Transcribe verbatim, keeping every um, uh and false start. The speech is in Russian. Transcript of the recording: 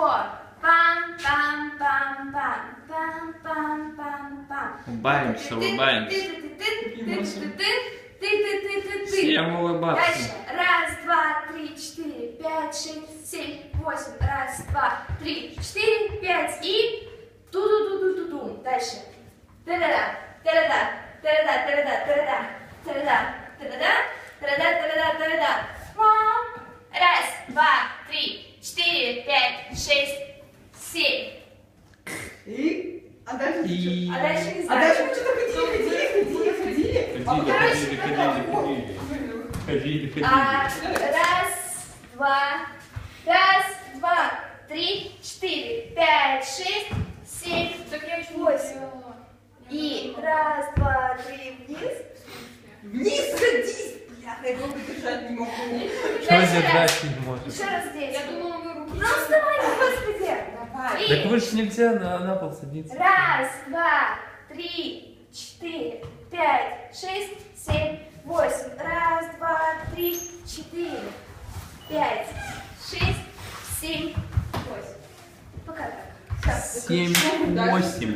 four. Pam, pam, pam, pam, pam, pam, pам, пам. Улыбаемся, улыбаемся. Всем улыбаться. Дальше. Раз, два, три, четыре, пять, шесть, семь, восемь. Раз, два, три, четыре, пять. И ту-ду-ду-ду-ду-ду. Дальше. Та-да-да, та-да-да, та-да-да, та-да-да, та-да-да, та-да-да, та-да-да, та-да-да, та-да-да. Раз, два, три, четыре, пять, шесть, семь. И? А дальше И- что? А дальше не А знаю. дальше мы что-то ходили, ходили, ходили, ходили. А Ходили, потом- ходили, ходили, ходили. Ходили, А, ходили. раз, два, раз, два, три, четыре, пять, шесть, семь, восемь. И раз, два, три, вниз. Вниз садись, бляха, я его держать не могу. Что Дальше держать раз. не может? Еще раз здесь. Я думала, вы руки. Ну вставай, господи. Давай. Так вы же нельзя на, на пол садиться. Раз, два, три, четыре, пять, шесть, семь, восемь. Раз, два, три, четыре, пять, шесть, семь, восемь. Пока так. Семь, восемь.